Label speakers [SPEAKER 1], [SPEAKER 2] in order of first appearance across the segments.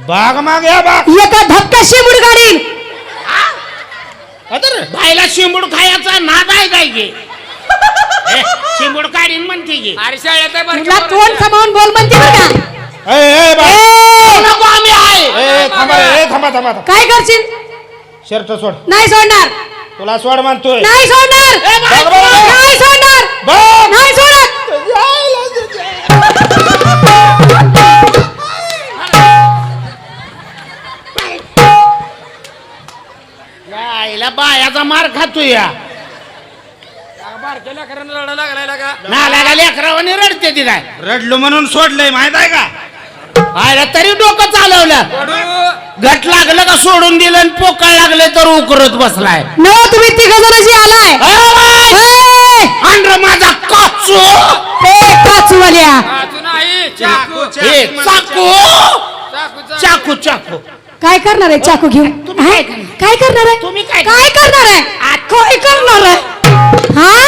[SPEAKER 1] बाग माग या बाग
[SPEAKER 2] एका धक्का शिमूड काढीन.
[SPEAKER 1] अदर भाईला शिंबूड खायचा नाद आहे काय गे शिंबूड काढीन म्हणते गे
[SPEAKER 3] अरे शाळेत आहे
[SPEAKER 2] तुला तोंड सांभाळून बोल म्हणते बरं का.
[SPEAKER 1] नको आम्ही आहे थांबा थांबा
[SPEAKER 2] काय करशील?
[SPEAKER 1] शर्ट सोड
[SPEAKER 2] नाही सोडणार.
[SPEAKER 1] तुला सोड म्हणतोय
[SPEAKER 2] नाही सोडणार. नाही सोडणार. नाही सोडत.
[SPEAKER 1] आईला बायाचा मार खातोय या नाला लेकरावाने रडते ती काय रडलो म्हणून सोडलंय माहित आहे का आयला तरी डोकं चालवलं घट लागलं का सोडून दिलं आणि पोकळ लागले तर उकरत बसलाय
[SPEAKER 2] न तुम्ही तिघ जणांशी आलाय.
[SPEAKER 1] अंड्र माझा काचू
[SPEAKER 2] काचूवाल्या
[SPEAKER 1] चाकू चाकू चाकू
[SPEAKER 2] काय करणार आहे चाकू घेऊन?
[SPEAKER 1] तुम्ही काय
[SPEAKER 2] काय करणार आहे?
[SPEAKER 1] तुम्ही काय
[SPEAKER 2] काय करणार आहे? काय करणार आहे? हा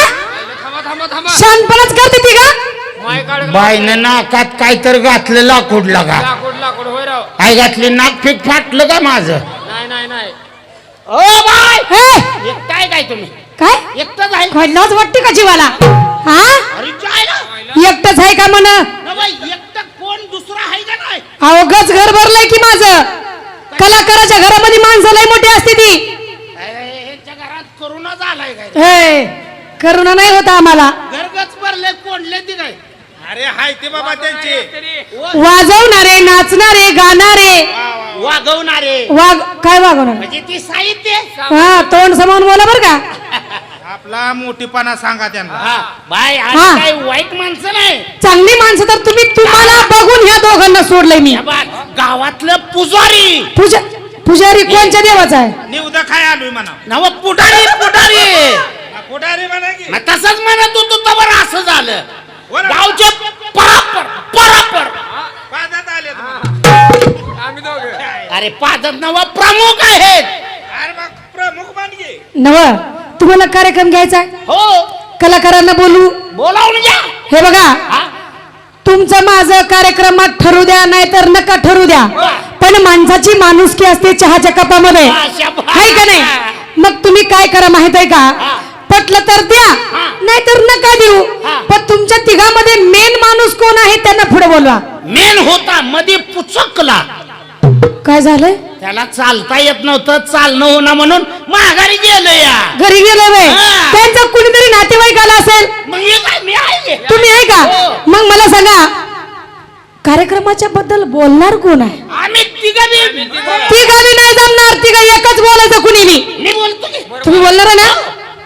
[SPEAKER 2] शानपणाच करते ती का?
[SPEAKER 1] बाईनं नाकात काहीतरी घातलं लाकूड लागा
[SPEAKER 3] लाकूड होय राव.
[SPEAKER 1] काय घातली नाक फिक फाटलं का माझं
[SPEAKER 3] नाही
[SPEAKER 1] ओ बाय
[SPEAKER 2] हे?
[SPEAKER 1] एकटाय काय तुम्ही
[SPEAKER 2] काय
[SPEAKER 1] एकटंच आहे
[SPEAKER 2] खडलाच वाटते का जीवाला? हा
[SPEAKER 1] अरे जायला
[SPEAKER 2] एकटंच आहे का म्हण?
[SPEAKER 1] एकटं कोण दुसरा आहे का नाही
[SPEAKER 2] अहो गच घर भरलंय की माझं. कलाकाराच्या घरामध्ये माणसं लय मोठी असते ती.
[SPEAKER 1] ह्यांच्या घरात करोना झालाय काय
[SPEAKER 2] हे करुणा नाही होता आम्हाला.
[SPEAKER 1] घरगच भरले कोणले ती काय अरे हाय ते बाबा त्यांचे
[SPEAKER 2] वाजवणारे, नाचणारे, गाणारे,
[SPEAKER 1] वागवणारे
[SPEAKER 2] काय वागवणार
[SPEAKER 1] म्हणजे ती साहित्य
[SPEAKER 2] हा तोंड समावून बोला बर का.
[SPEAKER 1] आपला मोठीपणा सांगा त्यांना बाय
[SPEAKER 2] हा.
[SPEAKER 1] काही वाईट माणसं नाही
[SPEAKER 2] चांगली माणसं तर तुम्हाला बघून ह्या दोघांना सोडलंय मी.
[SPEAKER 1] गावातलं पुजारी
[SPEAKER 2] पुजारी कोणत्या देवाचा आहे?
[SPEAKER 1] निवदा काय आलोय म्हणा नव पुढारी पुढारी म्हणा की तसंच म्हणत होतो तवर असं झालं गावचे परापर आले
[SPEAKER 3] आम्ही दोघं
[SPEAKER 1] अरे पादत नव प्रमुख आहेत अरे मग प्रमुख मानगे
[SPEAKER 2] नव तुम्हाला कार्यक्रम घ्यायचा आहे?
[SPEAKER 1] हो
[SPEAKER 2] कलाकारांना
[SPEAKER 1] बोलावून घ्या
[SPEAKER 2] हे बघा तुमचं माझं कार्यक्रमात ठरू द्या नाही तर नका ठरू द्या पण माणसाची माणुसकी असते चहाच्या कपामध्ये आहे का नाही? मग तुम्ही काय करा माहित आहे का? पटलं तर द्या नाही तर नका देऊ. पण तुमच्या तिघामध्ये मेन माणूस कोण आहे त्यांना पुढे बोलवा.
[SPEAKER 1] मेन होता मध्ये पुचकला
[SPEAKER 2] काय झालंय?
[SPEAKER 1] त्याला चालता येत नव्हतं चालणं होणं म्हणून माघारी गेलो या
[SPEAKER 2] घरी गेलो वे त्यांचा कुणीतरी नातेवाईक आला असेल.
[SPEAKER 1] मग मी आहे
[SPEAKER 2] तुम्ही आहे का? मग मला सांगा कार्यक्रमाच्या बद्दल बोलणार कोण आहे?
[SPEAKER 1] आम्ही तिघांनी
[SPEAKER 2] नाही जमणार. तिघा एकच बोलायचं कुणी
[SPEAKER 1] मी बोलतो की
[SPEAKER 2] तुम्ही बोलणार आहे ना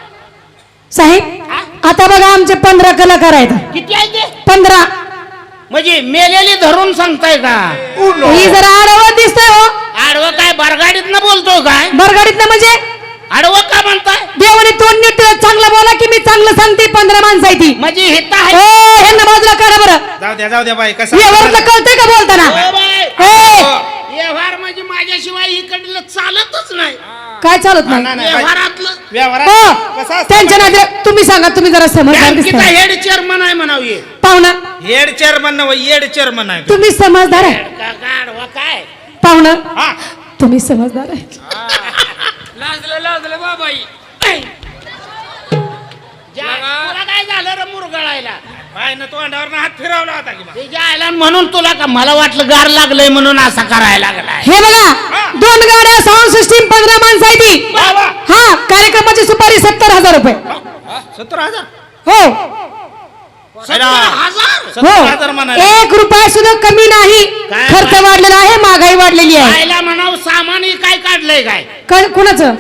[SPEAKER 2] साहेब? आता बघा आमचे 15 कलाकार आहेत.
[SPEAKER 1] किती आहे ते
[SPEAKER 2] 15
[SPEAKER 1] म्हणजे मेलेली धरून सांगताय का
[SPEAKER 2] ही जरा आडवं दिसतंय हो.
[SPEAKER 1] आडवं काय बरगाडीत न बोलतो काय
[SPEAKER 2] बरगाडीत ना म्हणजे
[SPEAKER 1] आडवं का म्हणताय
[SPEAKER 2] देवाने तोंड नीट चांगलं बोला की मी चांगलं सांगते. 15 माणसं आहे ती
[SPEAKER 1] म्हणजे हेता आहे
[SPEAKER 2] ह्यांना बाजूला काढा बरं.
[SPEAKER 1] जाऊ द्या बाई कसं
[SPEAKER 2] व्यवहारातलं कळतंय का बोलताना?
[SPEAKER 1] व्यवहार म्हणजे माझ्याशिवाय इकडलं चालतच नाही
[SPEAKER 2] काय चालत नाही
[SPEAKER 1] व्यवहारातलं
[SPEAKER 2] त्यांच्या नाते तुम्ही सांगा. तुम्ही जरा समजदार दिसताय.
[SPEAKER 1] हेड चेअरमन आहे म्हणावी
[SPEAKER 2] पाहुणा
[SPEAKER 1] हेड चेअरमन हेड चेअरमन आहे
[SPEAKER 2] तुम्ही समजदार आहे
[SPEAKER 1] काय
[SPEAKER 2] पाहुणा तुम्ही समजदार आहे.
[SPEAKER 3] लाजलं बाबाई
[SPEAKER 1] काय झालं रे मुरगळायला बायनं तोंडावर हात फिरवला होता म्हणून तुला का मला वाटलं गार लागलंय म्हणून असा करायला लागला.
[SPEAKER 2] हे बघा 2 गाड्या साऊंड सिस्टीम 15 माणसं आहे ती. हा कार्यक्रमाची सुपारी 70,000 रुपये.
[SPEAKER 1] 70,000
[SPEAKER 2] हो
[SPEAKER 1] 70,000
[SPEAKER 2] 1 रुपया सुद्धा कमी नाही. खर्च वाढलेला आहे महागाई वाढलेली आहे.
[SPEAKER 1] म्हणाव सामान काय काढलंय काय
[SPEAKER 2] कुणाचं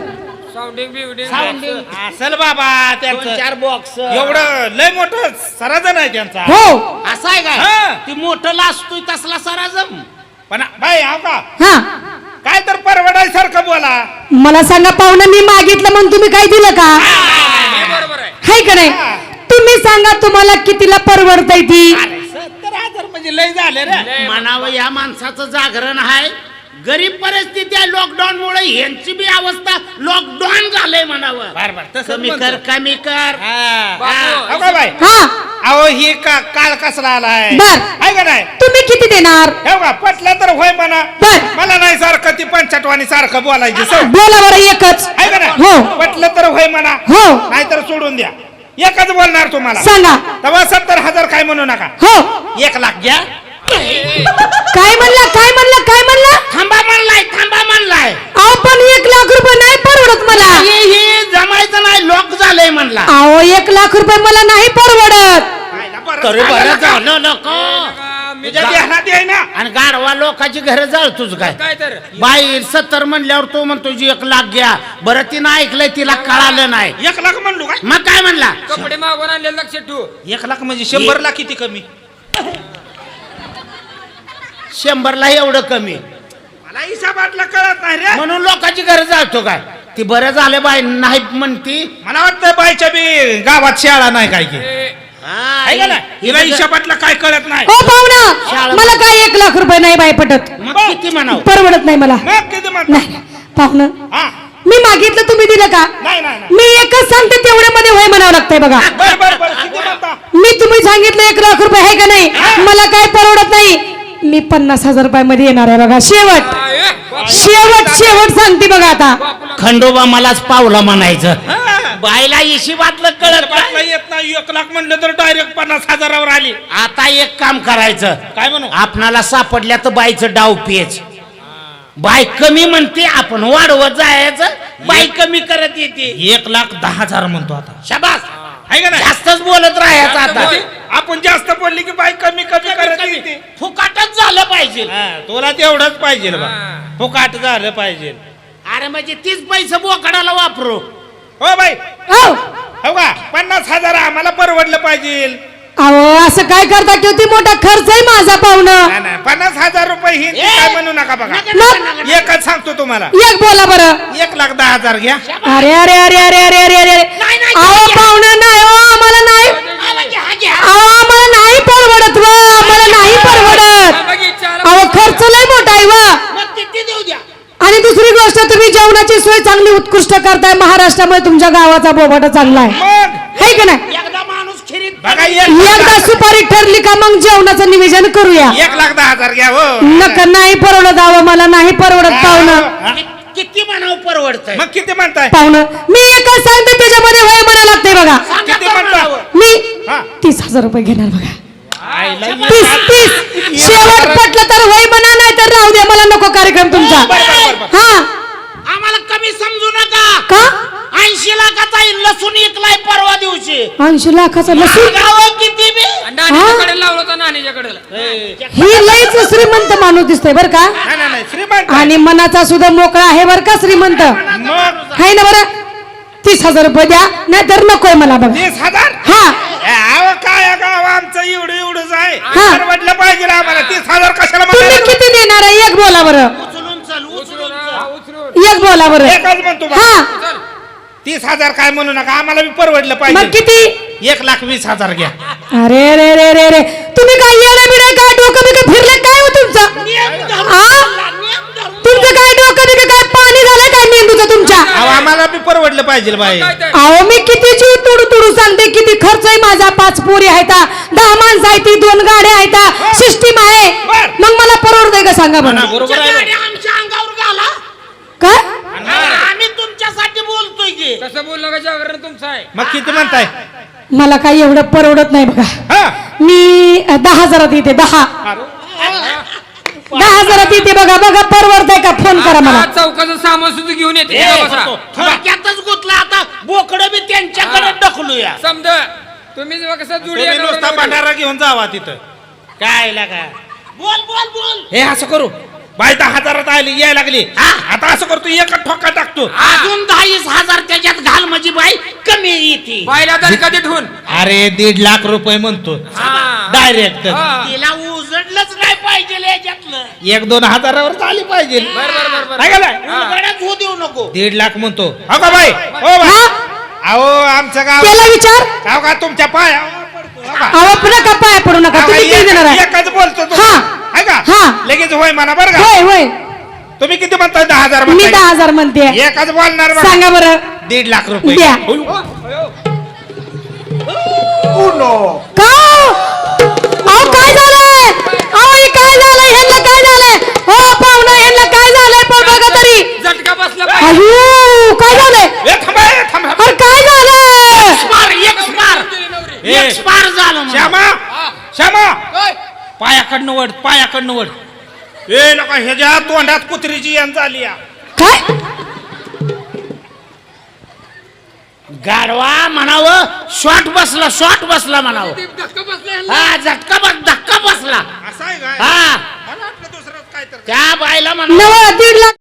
[SPEAKER 1] असेल बाबा त्यांचं 4 बॉक्स एवढं लय मोठं सराजन आहे त्यांचा.
[SPEAKER 2] हो
[SPEAKER 1] असं आहे काय ती मोठं लाजतोय तसला सराजम पण बाई का काय तर परवडायसारखं बोला.
[SPEAKER 2] मला सांगा पाहुणा मी मागितलं म्हणून तुम्ही काय दिलं का? हाय का नाही? तुम्ही सांगा तुम्हाला कितीला परवडतय ती?
[SPEAKER 1] 70,000 म्हणजे लय झाले रे म्हणावं. या माणसाचं जागरण आहे गरीब परिस्थिती आहे लॉकडाऊन मुळे यांची बी अवस्था लॉकडाऊन झालंय म्हणावं.
[SPEAKER 4] बरं तसं
[SPEAKER 1] कमी कर कमी कर.
[SPEAKER 3] बापू,
[SPEAKER 4] हो का बाई
[SPEAKER 2] हा
[SPEAKER 4] अहो ही काळ कसला आलाय
[SPEAKER 2] बर.
[SPEAKER 4] आहे का नाही
[SPEAKER 2] तुम्ही किती देणार
[SPEAKER 4] हे बघा पटलं तर होय म्हणा.
[SPEAKER 2] बर.
[SPEAKER 4] मला नाही सारखं ती पंचटवाणी सारखं बोलायची सवय
[SPEAKER 2] बोला बरं एकच
[SPEAKER 4] आहे का नाही
[SPEAKER 2] हो.
[SPEAKER 4] पटलं तर होय म्हणा
[SPEAKER 2] हो.
[SPEAKER 4] नाहीतर सोडून द्या. एकच बोलणार तुम्हाला
[SPEAKER 2] सांगा
[SPEAKER 4] तेव्हा 70,000 काय म्हणू नका.
[SPEAKER 2] हो
[SPEAKER 4] 1 लाख घ्या.
[SPEAKER 2] काय म्हणला काय म्हणला काय म्हणला
[SPEAKER 1] थांबा म्हणलाय.
[SPEAKER 2] अहो पण 1 लाख रुपये नाही परवडत मला.
[SPEAKER 1] हे जमायचं नाही लॉक झालंय म्हणला.
[SPEAKER 2] अहो 1 लाख रुपये मला नाही परवडत.
[SPEAKER 1] तरी बरं झालं नको.
[SPEAKER 3] मी
[SPEAKER 4] तुझ्या ध्यानात आहे ना.
[SPEAKER 1] आणि गाढवा लोकांची घर जाळतोच काय.
[SPEAKER 3] काय तर
[SPEAKER 1] बाई 70 म्हणल्यावर तो म्हणतो 1 लाख घ्या. बरं तिनं ऐकलंय तिला कळालं नाही.
[SPEAKER 4] 1 लाख म्हणलो काय.
[SPEAKER 1] मग काय म्हणला
[SPEAKER 3] कपडे मागून आणले लक्षात ठेवू.
[SPEAKER 4] 1 लाख म्हणजे 100 लाख किती कमी.
[SPEAKER 1] 100ला एवढं कमी
[SPEAKER 4] मला हिसाबातला कळत नाही रे.
[SPEAKER 1] म्हणून लोकांची घर जाळतो काय. ती बरं झालं बाई नाही म्हणती.
[SPEAKER 4] मला वाटतं बाईच्या बी गावात शाळा नाही काय की
[SPEAKER 1] हा,
[SPEAKER 4] आहे का नाही. हिला हिशोबातला काय कळत नाही.
[SPEAKER 2] हो पाहुणा
[SPEAKER 1] शाळा-
[SPEAKER 2] मला काय 1 लाख रुपये नाही बाय पटत.
[SPEAKER 1] मग किती म्हणाव.
[SPEAKER 2] परवडत नाही मला.
[SPEAKER 4] मग किती म्हणता.
[SPEAKER 2] नाही पाहुणं
[SPEAKER 4] हा
[SPEAKER 2] मी मागितलं तुम्ही दिलं का.
[SPEAKER 4] नाही नाही नाही.
[SPEAKER 2] मी एकच सांगते तेवढ्यामध्ये होय म्हणावं लागतंय बघा.
[SPEAKER 4] बर किती म्हणता.
[SPEAKER 2] मी तुम्ही सांगितलं 1 लाख रुपये आहे का नाही मला काय परवडत नाही. मी 50,000 रुपयामध्ये येणार आहे बघा. शेवट शेवट सांगते बघा आता.
[SPEAKER 1] खंडोबा मलाच पावला म्हणायचं.
[SPEAKER 4] हा.
[SPEAKER 1] बाईला हिशोबातलं कळत
[SPEAKER 4] पाटला
[SPEAKER 1] नाही.
[SPEAKER 4] येत नाही. 1 लाख म्हणलं तर डायरेक्ट 50,000 आली.
[SPEAKER 1] आता एक काम करायचं.
[SPEAKER 4] काय म्हणू.
[SPEAKER 1] आपणाला सापडल्या तर बाईचं डाव पेच. बाई कमी म्हणते आपण वाढवत जायचं. बाई कमी करत येते.
[SPEAKER 4] 1,10,000 म्हणतो आता.
[SPEAKER 1] शाबास.
[SPEAKER 4] आहे का नाही.
[SPEAKER 1] जास्तच बोलत राहायचं आता.
[SPEAKER 4] आपण जास्त बोलली की बाई कमी करत येते.
[SPEAKER 1] फुकाटच झालं पाहिजे.
[SPEAKER 4] हा, तुला तेवढंच पाहिजे बा.
[SPEAKER 3] हा.
[SPEAKER 4] फुकाट झालं पाहिजे.
[SPEAKER 1] अरे म्हणजे तीच पैसे बोकडाला वापरू.
[SPEAKER 4] हो बाई
[SPEAKER 2] हो
[SPEAKER 4] हो का 50,000 आम्हाला परवडलं पाहिजे.
[SPEAKER 2] अहो असं काय करता की ती मोठा खर्च आहे माझा पाहुणं.
[SPEAKER 4] नाही, नाही, 50,000 रुपये ही
[SPEAKER 1] ए!
[SPEAKER 4] काय म्हणू नका बघा.
[SPEAKER 1] नका, नका, नका, नका.
[SPEAKER 4] एकच सांगतो तुम्हाला.
[SPEAKER 2] एक बोला बरं.
[SPEAKER 4] 1,10,000 घ्या.
[SPEAKER 2] अरे अरे अरे अरे अरे अरे अरे
[SPEAKER 1] नाही, नाही,
[SPEAKER 2] अहो
[SPEAKER 1] घ्या.
[SPEAKER 2] पाहुणं नाही हो आम्हाला नाही.
[SPEAKER 1] आला घ्या, घ्या.
[SPEAKER 2] अहो आम्हाला नाही परवडत व आम्हाला नाही परवडत. अहो खर्च लय मोठा आहे व.
[SPEAKER 1] मग किती देऊ द्या.
[SPEAKER 2] आणि दुसरी गोष्ट तुम्ही जेवणाची सोय चांगली उत्कृष्ट करताय. महाराष्ट्रामध्ये तुमच्या गावाचा बोबाटा चांगला आहे
[SPEAKER 4] मग
[SPEAKER 2] है का नाही.
[SPEAKER 1] एकदा माणूस खिरीत
[SPEAKER 4] बघा
[SPEAKER 2] एकदा सुपारी ठरली का मग जेवणाचं निवेदन करूया.
[SPEAKER 4] 1,10,000 घ्या हो.
[SPEAKER 2] नका नाही परवडत. अहो मला नाही परवडत पाहुणं.
[SPEAKER 4] हा?
[SPEAKER 1] किती म्हणावं परवडतंय.
[SPEAKER 4] मग किती म्हणताय.
[SPEAKER 2] पाहुणं मी एकच सांगते त्याच्यामध्ये वय म्हणायला लागते बघा.
[SPEAKER 1] सांगा
[SPEAKER 4] किती
[SPEAKER 1] तर
[SPEAKER 4] म्हणता?
[SPEAKER 1] म्हणावं.
[SPEAKER 2] मी
[SPEAKER 4] हा.
[SPEAKER 2] 30,000 रुपये घेणार बघा.
[SPEAKER 4] आईला
[SPEAKER 2] 30 शेवट पटलं तर वय म्हणा नाही तर राहू द्या. मला नको कार्यक्रम तुमचा.
[SPEAKER 4] बरं.
[SPEAKER 2] हा
[SPEAKER 1] आम्हाला कमी समजू नका.
[SPEAKER 2] का
[SPEAKER 1] 80 लाखाचा लसूण इकलाय परवा दिवशी.
[SPEAKER 2] 80 लाखाचा लसूण.
[SPEAKER 1] गावं किती बी.
[SPEAKER 3] नानीच्याकडे लावलं होतं नानीच्याकडे.
[SPEAKER 2] ही लईच श्रीमंत माणूस दिसतोय बर का.
[SPEAKER 4] नाही श्रीमंत.
[SPEAKER 2] आणि मनाचा सुद्धा मोकळा आहे बर का श्रीमंत.
[SPEAKER 4] मग
[SPEAKER 2] आहे ना बरं. 30,000 रुपये द्या नाही तर नकोय मला बघा.
[SPEAKER 4] 30,000.
[SPEAKER 2] हा
[SPEAKER 4] अहो काय गाव आमचं एवढंच आहे.
[SPEAKER 2] हा.
[SPEAKER 4] परवडलं पाहिजे आम्हाला. 30,000 कशाला
[SPEAKER 2] तुम्ही
[SPEAKER 4] म्हणाला?
[SPEAKER 2] किती देणार आहे एक बोला बरं.
[SPEAKER 1] उचलून चल उचलून
[SPEAKER 3] उचलून
[SPEAKER 1] चल.
[SPEAKER 3] हा, उचलून.
[SPEAKER 2] एक बोला बरं.
[SPEAKER 4] एकच म्हणतो बा.
[SPEAKER 2] हा
[SPEAKER 3] चल.
[SPEAKER 4] 30,000 काय म्हणू नका. आम्हाला बी परवडलं
[SPEAKER 2] मग
[SPEAKER 4] पाहिजे.
[SPEAKER 2] किती.
[SPEAKER 4] 1,20,000 घ्या.
[SPEAKER 2] अरे रे रे रे रे तुम्ही काय येडे बिडे काय डोकं बिकं फिरले काय हो तुमचं.
[SPEAKER 1] नियम धरून
[SPEAKER 2] आ?
[SPEAKER 1] चालला, नियम धरून.
[SPEAKER 2] तुमचं काय डोकं बिकं काय पाणी झालं काय मेंदूचं तुमच्या.
[SPEAKER 4] अहो आम्हाला बी परवडलं पाहिजे बाई.
[SPEAKER 3] काय ते?
[SPEAKER 2] अहो मी किती जीव तुडू तुडू सांगते किती खर्च आहे माझा. 5 पोरी आहेत 10 माणसं आहेत 2 गाड्या आहेत सिस्टीम आहे.
[SPEAKER 4] बर.
[SPEAKER 2] मग मला परवडतंय का सांगा बरं.
[SPEAKER 4] बरोबर आहे.
[SPEAKER 1] तुमच्या गाड्या आमच्या अंगावर घाला.
[SPEAKER 2] काय
[SPEAKER 1] आम्ही तुमच्यासाठी बोलतोय की.
[SPEAKER 3] तसं बोललं का जागरण तुमचं आहे.
[SPEAKER 4] मग किती म्हणताय.
[SPEAKER 2] मला काही एवढं परवडत नाही बघा.
[SPEAKER 4] हा
[SPEAKER 2] मी 10,000 येते 10,000 येते बघा. बघा परवडतंय का फोन करा मला.
[SPEAKER 3] आता चौकाचं सामान सुद्धा घेऊन येते.
[SPEAKER 1] ए,
[SPEAKER 3] तिथं बसा.
[SPEAKER 1] थोडक्यातच गुतला आता. बोकडं बी त्यांच्याकडे ढकलूया.
[SPEAKER 3] समजा तुम्ही जेव्हा कसं जुडी
[SPEAKER 4] तुम्ही
[SPEAKER 3] आहे
[SPEAKER 4] नुसता
[SPEAKER 3] नवरा-नवरी.
[SPEAKER 4] भंडारा घेऊन जावा तिथं. काय लागा
[SPEAKER 1] बोल बोल बोल.
[SPEAKER 4] हे असं करू. बाई 10,000 आली यायला लागली. आता असं करतो एक ठोका टाकतो.
[SPEAKER 1] अजून 10,000 त्याच्यात घाल म्हणजे बाई कमी येते.
[SPEAKER 3] बायला तरी कधी ठेवून.
[SPEAKER 4] अरे 1.5 लाख रुपये म्हणतो
[SPEAKER 3] हा.
[SPEAKER 4] डायरेक्ट.
[SPEAKER 3] हा.
[SPEAKER 1] तिला उजडलंच नाही पाहिजे याच्यातलं.
[SPEAKER 4] 1-2 हजारावर झाली पाहिजे.
[SPEAKER 3] बर.
[SPEAKER 4] आहे का नाही?
[SPEAKER 1] उलगड्यात होऊ देऊ नको.
[SPEAKER 4] 1.5 लाख म्हणतो. हो का बाई. हो बाई.
[SPEAKER 2] हा
[SPEAKER 4] अहो आमचं गाव.
[SPEAKER 2] त्याला विचार.
[SPEAKER 4] अहो का तुमच्या पाया पडतो. हो का?
[SPEAKER 2] अहो नका पाया पडू नका. तुम्ही किती देणार आहे.
[SPEAKER 4] एकच बोलतो तो.
[SPEAKER 2] हा.
[SPEAKER 4] आहे का
[SPEAKER 2] हा.
[SPEAKER 4] लगेच होय म्हणा बरं का.
[SPEAKER 2] होय होय
[SPEAKER 4] तुम्ही किती म्हणताय 10,000
[SPEAKER 2] मी
[SPEAKER 4] म्हणताय?
[SPEAKER 2] 10,000 म्हणते
[SPEAKER 4] एकच बोलणार बघा.
[SPEAKER 2] सांगा बरं
[SPEAKER 1] 1.5 लाख रुपये
[SPEAKER 2] द्या.
[SPEAKER 1] होय.
[SPEAKER 2] का अहो काय झालंय अहो हे काय झालंय ह्यांना काय झालंय हो पाहुणा ह्यांना काय झालंय पण बघा तरी
[SPEAKER 3] झटका बसला पाहिजे.
[SPEAKER 2] अयो काय झालंय
[SPEAKER 4] ए, थांबा, ए, थांबा.
[SPEAKER 2] अरे काय झालंय
[SPEAKER 1] एक्सपायर झालं म्हणा.
[SPEAKER 4] श्यामा पायाकडनं वड पायाकडनं वड. ए लोका ह्याच्या तोंडात कुत्रीची यान झाली या.
[SPEAKER 2] काय
[SPEAKER 1] गाडवा म्हणावं शॉट बसला म्हणावं
[SPEAKER 3] धक्का बसला ह्यांना.
[SPEAKER 1] हा धक्का बसला
[SPEAKER 4] असं आहे काय?
[SPEAKER 1] हा
[SPEAKER 4] मला वाटलं दुसरंच काय तर.
[SPEAKER 1] त्या बायला म्हणा
[SPEAKER 2] नव 1.5 लाख